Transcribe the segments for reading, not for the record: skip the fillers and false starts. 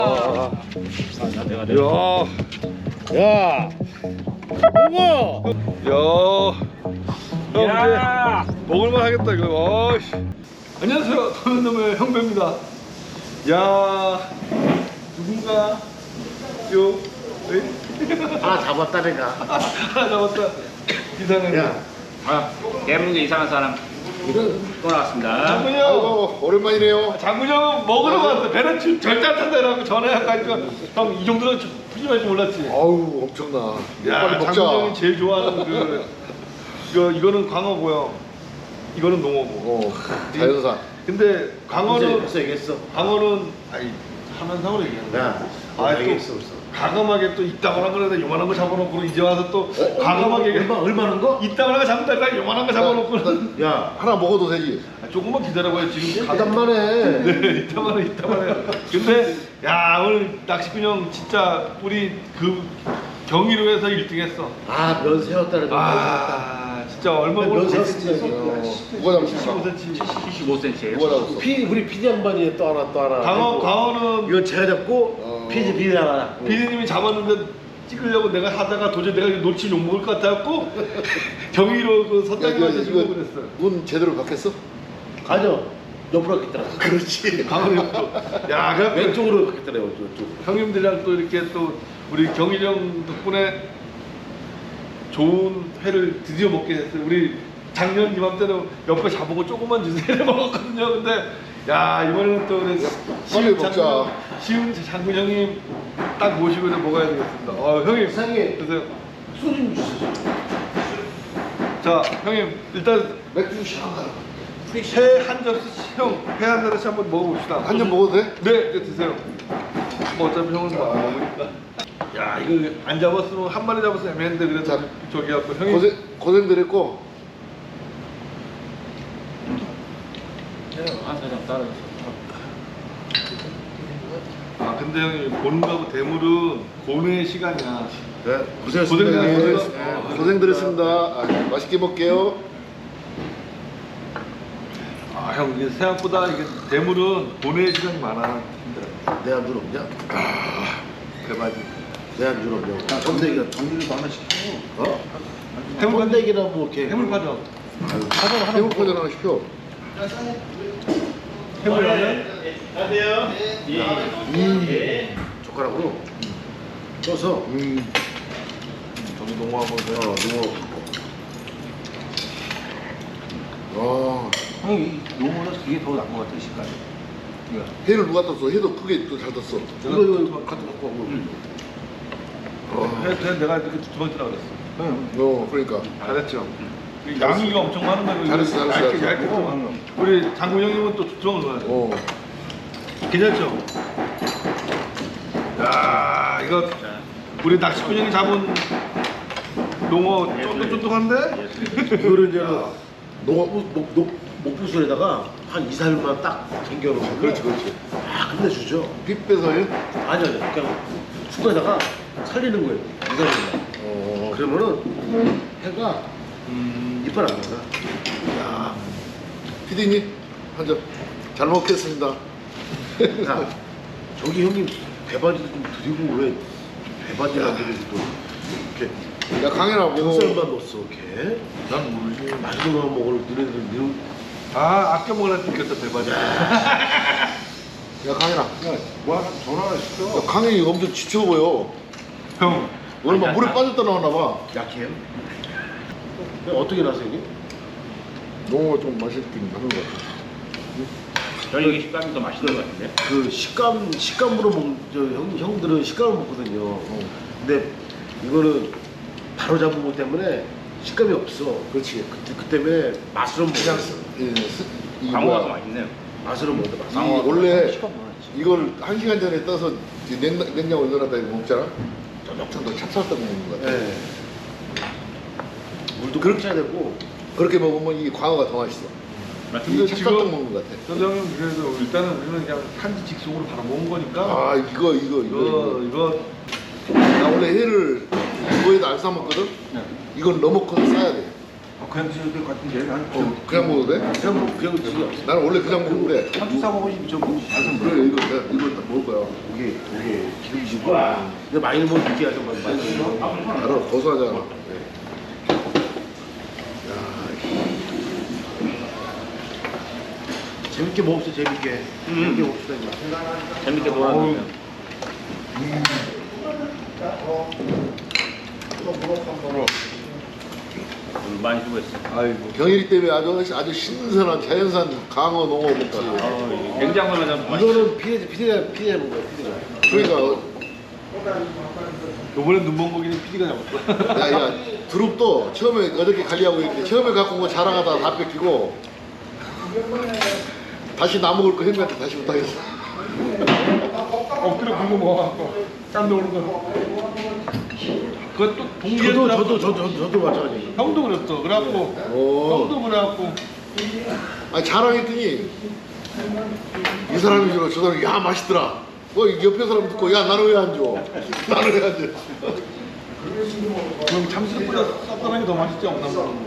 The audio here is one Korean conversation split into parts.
야, 먹어. 야, 형 이제 먹을만 하겠다 이거. 어이씨. 안녕하세요, 도련놈의 형배입니다. 야, 누군가 요 하나 잡았다 내가. 하나 잡았다. 이상하네. 야, 대문제 이상한 사람 또 나왔습니다. 장군이 형. 아이고 오랜만이네요. 장군이 형은 먹으러 갔어. 배는 절대 안 탄다라고 전화해가지고 형 이 정도는 푸짐할 줄 몰랐지. 아우 엄청나. 야, 빨리 먹자. 장군이 형이 제일 좋아하는 그 이거는 광어고요. 이거는 농어고. 자연산. 근데 광어는 벌써 얘기했어. 광어는 아니 하면상으로 얘기하는 거야. 야, 아, 또 얘기했어 벌써. 과감하게 또 이따만한 거에다 요만한 거 잡아놓고 이제 와서 또 과감하게 얼마는 거? 이따만한 거 잡는다 요만한 거 잡아놓고 야, 하나 먹어도 되지. 조금만 기다려봐요. 지금 가단만해. 네, 이따만해. 근데 야 오늘 낚시꾼 형 진짜 우리 그 경기로에서 1등했어. 아, 면 세웠다는 거. 아 진짜 얼마 면 오늘 세웠어. 누가 잡았어? 75cm. 75cm예요. 누가 잡았어? 우리 PD 양반이 또 하나. 광어는 이건 제가 잡고 PD 하나. 비디님이 잡았는데 찍으려고 내가 하다가 도저히 내가 놓치면 욕먹을 것 같아갖고 경위로 그 선장님한테 주고 그랬어. 눈 제대로 박혔어? 가죠. 옆으로 박혔더라. 그렇지. 강원이 형도. 야, 그래 왼쪽으로 박혔더라고. 왼쪽. 형님들이랑 또 이렇게 또 우리 경일 형 덕분에 좋은 회를 드디어 먹게 됐어요. 우리 작년 이맘때는 옆에 잡은 조금만 주세요 먹었거든요. 근데 야 이번에는 또 우리 빨리 먹자. 시훈 장군 형님 딱 모시고 좀 먹어야 되겠습니다. 형님 이상해. 드세요. 술 좀 주세요. 자 형님 일단 맥주 시원하다. 회 한 접시 회 한 접시 한번 먹어봅시다. 한 잔 먹어도 돼? 네, 드세요. 뭐 어차피 형은 뭐 안 먹으니까. 야 이거 안 잡았으면 한 마리 잡았으면 애매한데 그래도 자, 저기 갖고 형이 고생들 했고. 한 사람 따라서. 아 근데 형이 보는 거하고 대물은 고뇌의 시간이야. 네, 고생하셨습니다. 고생하셨습니다. 고생들 했습니다. 아, 맛있게 먹게요. 아 형 이게 생각보다 이게 대물은 고뇌의 시간이 많아. 힘들어. 내 안주 없냐? 대박이. 내 안주 없냐? 건데기가 정리를 하나 시키고. 어? 해물 건데기나 뭐 이렇게 해물파전. 해물파전 하나 시켜. 해물라면. 젓가락으로 떠서 저기 농어하고 와, 형이 요거는 그게 더 나은 것 같아 식감이. 이거. 회를 누가 떴어? 회도 크게 또 잘 떴어. 이거 갖다 놓고 하고. 회 내가 이렇게 두 번째 나갔어. 그러니까. 잘했죠. 양이가 엄청 많은 거예요. 잘했어. 얇게 또. 우리 장군 형님은 또 두툼을 넣어요. 괜찮죠? 야 이거 우리 낚시꾼 형이 잡은 농어 쫀득쫀득한데? 이거를 이제 목부술에다가 한 2, 3일만 딱 잠겨놓으면 그렇지. 아, 끝내주죠. 핏 빼서요? 아니요. 그냥 숟가락에다가 살리는 거예요. 2, 3일만. 그러면은 해가 이빨 안 나가. 야, 피디님 한 잔 잘 먹겠습니다. 야, 저기 형님 배바지도 좀 드리고 왜 배바지를 드리고 또 이렇게. 야, 강현아 뭐 쌀만 넣었어 이렇게. 난 모르지. 맛있는 거 먹을 너네들 아 아껴 먹으라 생겼다 대박이야. 야, 강현아. 뭐 하나 전화 하나 시켜. 야, 강현이 엄청 지쳐 보여. 형 오늘 막 물에 빠졌다 나왔나 봐. 약해요? 어떻게 나서 형님? 농어가 좀 맛있긴 하는 것 같아. 저희 이게 식감이 더 맛있는 것 같은데. 그 식감으로 형들은 식감을 먹거든요. 근데 이거는 바로 잡은 것 때문에 식감이 없어. 그렇지. 그 때문에 맛으로 먹어. 광어가 더 맛있네요. 맛으로 먹어. 광어가 원래 식감 많았지. 이걸 1시간 전에 떠서 냉장고에 넣어놨다 이거 먹잖아. 쫀득쫀득 찹쌀떡 먹는 것 같아. 네. 물도 그렇게 해야 되고 그렇게 먹으면 이 광어가 더 맛있어. 근데 이 찹쌀떡 먹는 것 같아. 선생님 그래도 일단은 우리는 그냥 한지 직송으로 바로 먹은 거니까. 아 이거 이거 나 원래 회를 이거에다 안 싸먹거든? 네. 이건 넣어먹고 싸야 돼. 그냥 드셔도 될 것 같은데. 난 그냥 먹어도 돼? 그냥 드시죠. 나는 원래 그냥 먹는데. 한주 싸 먹으시면 좀 맛은 그래 이거 내가 이걸 다 먹을 거야. 이게 기름지고. 근데 많이 넣으면 느끼하죠. 많이 넣으면. 알아 고소하잖아. 재밌게 먹읍시다. 재밌게. 재밌게 먹읍시다. 이제. 재밌게 놀아주세요. 많이 수고했어. 아이고. 경일이 때문에 아주 신선한 자연산 강어 농어 먹지. 냉장고는 좀 이거는 피디가 먹어요. 피디가. 그러니까 요번에 눈먼 고기는 PD가 잡았어. 야 두릅도 처음에 어저께 관리하고 있는데 처음에 갖고 온 거 자랑하다가 다 뺏기고 다시 나 먹을 거 형님한테 다시 못하겠어. 엎드려 굶고 먹어갖고 깜짝 놀란 거. 그것도 동기에 저도 마찬가지. 형도 그랬어. 그래갖고 형도 그래갖고 아니 자랑했더니 이 사람이 주로 저 사람이 야 맛있더라. 옆에 사람 듣고 야 나는 왜 안 줘? 나는 왜 안 줘? 그럼 참치보다 쌉싸름한 게 더 맛있지 않나?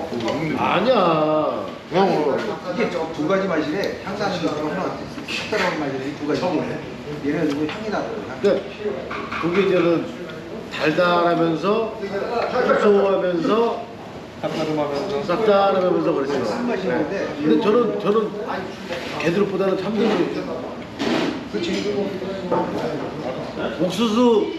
아니야. 그냥 먹어. 이게 두 가지 맛이래. 향나는 거랑 하나 색다른 맛이래. 두 가지. 얘는 이거 향이 나더라고. 근데 그게 이제는 달달하면서 고소하면서 쌉싸름하면서 쌉쌀하면서 그렇죠. 쓴맛이 있는데. 근데 저는 개들보다는 참들이 그렇지. 옥수수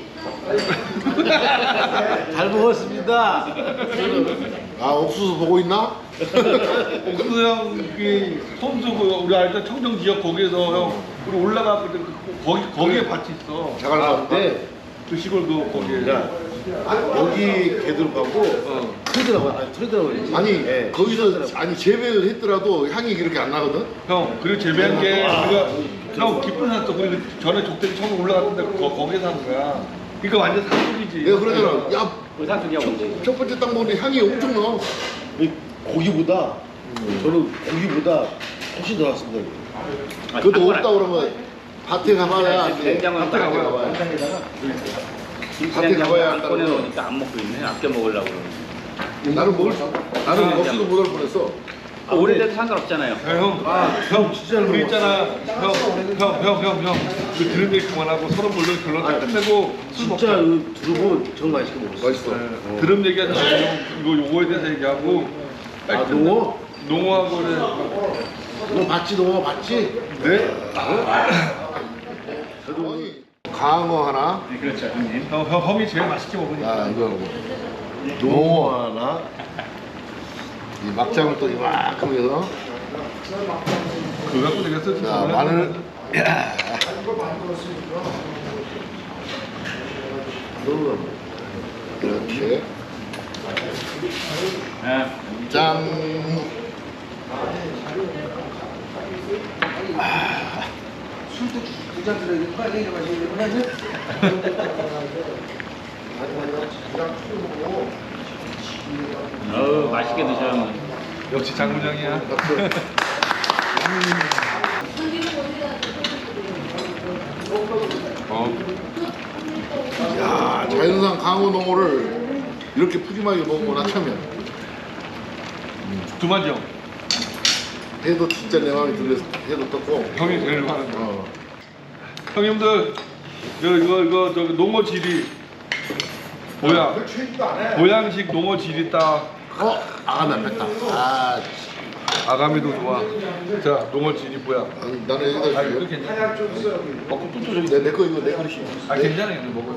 잘 먹었습니다. 아 옥수수 보고 있나? 옥수수 형이 손수 우리 알던 청정 지역 거기에서 형 우리 올라가고 거기에 밭이 있어. 자갈 봤는데 그 시골 거기에. 여기 개들하고 틀더라고요. 아니 거기서 아니 재배를 했더라도 향이 그렇게 안 나거든. 형 그리고 재배한 게 우리가 형 깊은 산도 그리고 전에 족대기 처음 올라갔는데 거기서 한 거야. 그러니까 완전 산속이지. 내가 그러잖아. 야 의사소리하고 첫 번째 땅 먹는데 향이 엄청 나. 고기보다 저는 고기보다 훨씬 더 낫습니다. 그것도 없다 그러면 밭에 가봐야 안 돼. 냉장고에 밭에 딱 가봐야. 밭에 냉장고 가봐야 안 한다고. 꺼내놓으니까 안 먹고 있네. 아껴 먹으려고 그러는. 나는 먹을 수. 나는 먹지도 못할 뻔했어. 오래돼도 상관없잖아요. 형 진짜 우리 있잖아. 형. 그 들은 얘기 그만하고 서로 물론 결론 다 끝내고 술 먹자. 진짜 그 두릅은 정말 맛있게 먹었어. 맛있어. 드럼 얘기하자. 요거에 대해서 얘기하고. 농어? 농어하고 그래. 너 봤지? 농어 봤지? 네? 강어 하나. 네, 그렇죠, 형님. 형이 제일 맛있게 먹으니까. 야 이거 농어 하나. 이 막장을 또 이만큼 해서. 그거 갖고 되겠어 진짜. 자 마늘. 야. 이렇게. 네. 짠. 술도 두잔 들어야 빨리 마시는 맛있게 드셔요, 형님. 역시 장군장이야. 야 자연산 강어 농어를 이렇게 푸짐하게 먹으면 참이야. 두만정. 해도 진짜 내 마음에 들어서 해도 떴고. 형이 제일 많은 거. 형님들 이거 저기 농어 지리 보양식 농어 지리 딱 아가미 안 뺐다. 아, 아가미도 좋아. 자 농어 지리 보양. 아니, 나는 여기다 이거 줄게. 괜찮아. 먹고 또 저기. 내거 이거 내 그릇이. 괜찮아 이거 먹어.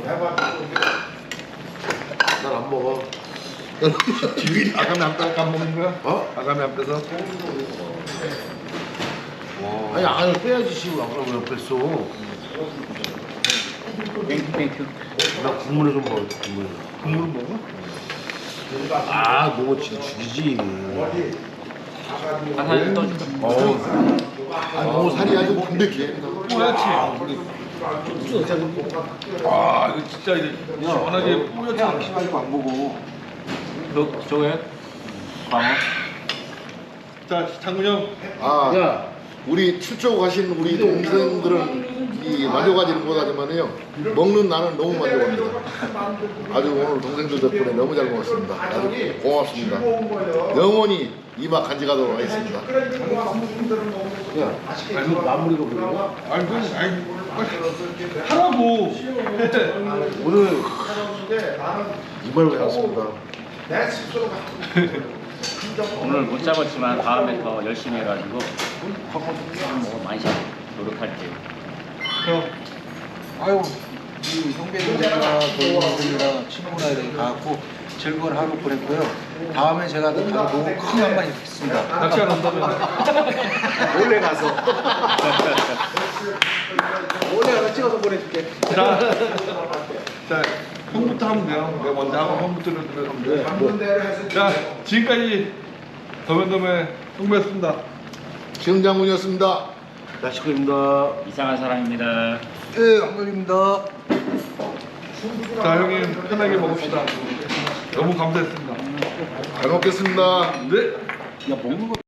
난 안 먹어. 아가미 안 빼서 안 먹는 거야? 어? 아가미 안 빼서? 아니 안을 빼야지 씨발. 그럼 왜 뺐어? 땡큐. 나 국물에 좀 먹어. 국물 먹어? 아, 농어 진짜 죽이지. 하나 떠줄까? 아, 농어 살이 아주 담백해. 뿌옇지. 아 이거 진짜 이제 시원하게 뿌옇지. 가지고 안 보고. 저거요? 광어? 자 장군 형. 아, 야, 우리 출조 가신 우리 동생들은 이 만족하지는 못하지만요 먹는 나는 너무 만족합니다. 아주 오늘 동생들 덕분에 너무 잘 먹었습니다. 아주 고맙습니다. 영원히 이마 간직하도록 하겠습니다. 야, 이거 마무리가 뭐야? 아니 하라고. 오늘 이말로 해왔습니다. 오늘 못 잡았지만 다음에 더 열심히 해가지고 뭐 많이 잡 노력할게요. 형. 아유, 이 형배들이나 동생들이랑 친구나 이렇게 가갖고 즐거운 하루 보냈고요. 다음에 제가 또 너무 큰 한 마리 있습니다. 낚시 안 한다면. 몰래 가서. 원래 하나 찍어서 보내줄게. 자, 형부터 하면 돼요. 내가 먼저 하고 형부터 들어가면 돼. 자, 지금까지 더맨더맨 형부였습니다. 지흥장군이었습니다. 야식구입니다. 이상한 사람입니다. 예, 황돌입니다. 자, 형님 편하게 먹읍시다. 너무 감사했습니다. 잘 먹겠습니다. 네. 야, 먹는 거